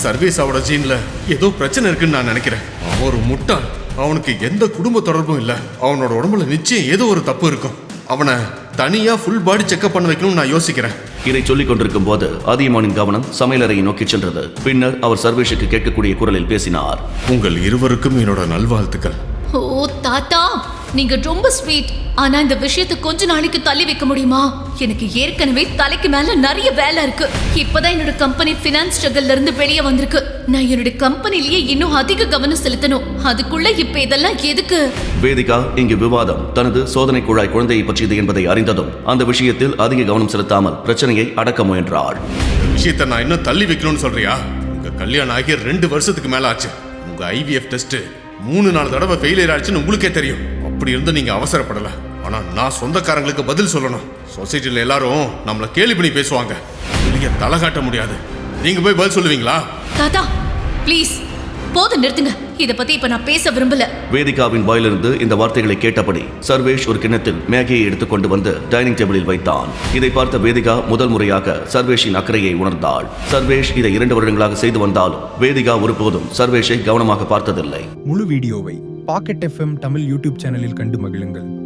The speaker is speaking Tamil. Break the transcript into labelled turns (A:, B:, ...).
A: சர்வீஸாவோட ஜீன்ல ஏதோ பிரச்சனை இருக்குன்னு நான் நினைக்கிறேன். அவன் ஒரு முட்டாள். அவனுக்கு எந்த குடும்ப தொடர்பும் இல்ல. அவனோட உடம்புல நிச்சயம் ஏதோ ஒரு தப்பு இருக்கும். அவனை தனியா ஃபுல் பாடி செக்அப் பண்ண வைக்கணும்னு நான் யோசிக்கிறேன்.
B: இதை சொல்லிக் கொண்டிருக்கும் போது அதியமானின் கவனம் சமையலறையை நோக்கி சென்றது. பின்னர் அவர் சர்வேஷுக்கு கேட்கக்கூடிய குரலில் பேசினார்.
A: உங்கள் இருவருக்கும் என்னோட நல்வாழ்த்துக்கள்.
C: ஓ தாத்தா, நீங்க ரொம்ப ஸ்வீட். ஆனா இந்த விஷயத்தை கொஞ்ச நாளைக்கு தள்ளி வைக்க முடியுமா? எனக்கு ஏற்கனவே தலைக்கு மேல நிறைய வேலை இருக்கு. இப்பதான் என்னோட கம்பெனி ஃபினான்ஸ் ஸ்ட்ரகிள்ல இருந்து வெளியே வந்திருக்கு. நான் என்னோட கம்பெனிலேயே இன்னும் அதிக கவனம் செலுத்தணும். அதுக்குள்ள இப்ப இதெல்லாம் எதுக்கு?
B: வேதிகா இங்கு விவாதம் தனது சோதனை குழாய் குழந்தையை பற்றியது என்பதை அறிந்ததும் அந்த விஷயத்தில் அதிக கவனம் செலுத்தாமல் பிரச்சனையை அடக்க முயன்றாள்.
A: இந்த விஷயத்தை நான் இன்னும் தள்ளி வைக்கணும்னு சொல்றியா? உங்க கல்யாணம் ஆகிய 2 வருஷத்துக்கு மேல ஆச்சு. உங்க IVF டெஸ்ட் 3-4 தடவை ஃபெயிலியர் ஆச்சுன்னு உங்களுக்கே தெரியும். அப்படி இருந்து நீங்க அவசரப்படல. ஆனா நான் சொந்தக்காரங்களுக்கு பதில் சொல்லணும். சொசைட்டில எல்லாரும் நம்மள கேலி பண்ணி பேசுவாங்க. வெளிய தலை காட்ட முடியாது. நீங்க போய் பதில் சொல்லுவீங்களா?
C: தாத்தா ப்ளீஸ் போதும், நிறுத்துங்க. இத பத்தி இப்ப நான் பேச விரும்பல.
B: வேதிகாவின் வாயிலிருந்து இந்த வார்த்தைகளை கேட்டபடி சர்வேஷ் ஒரு கிண்ணத்தில் மேகியை எடுத்துக்கொண்டு வந்து டைனிங் டேபிளில் வைத்தான். இதை பார்த்த வேதிகா முதல் முறையாக சர்வேஷின் அக்கறையை உணர்ந்தாள். சர்வேஷ் இதை 2 வருடங்களாக செய்து வந்தாலும் வேதிகா ஒருபோதும் சர்வேஷை கவனமாக பார்த்ததில்லை.
D: முழு வீடியோவை பாக்கெட் FM தமிழ் யூடியூப் சேனலில் கண்டு மகிழுங்கள்.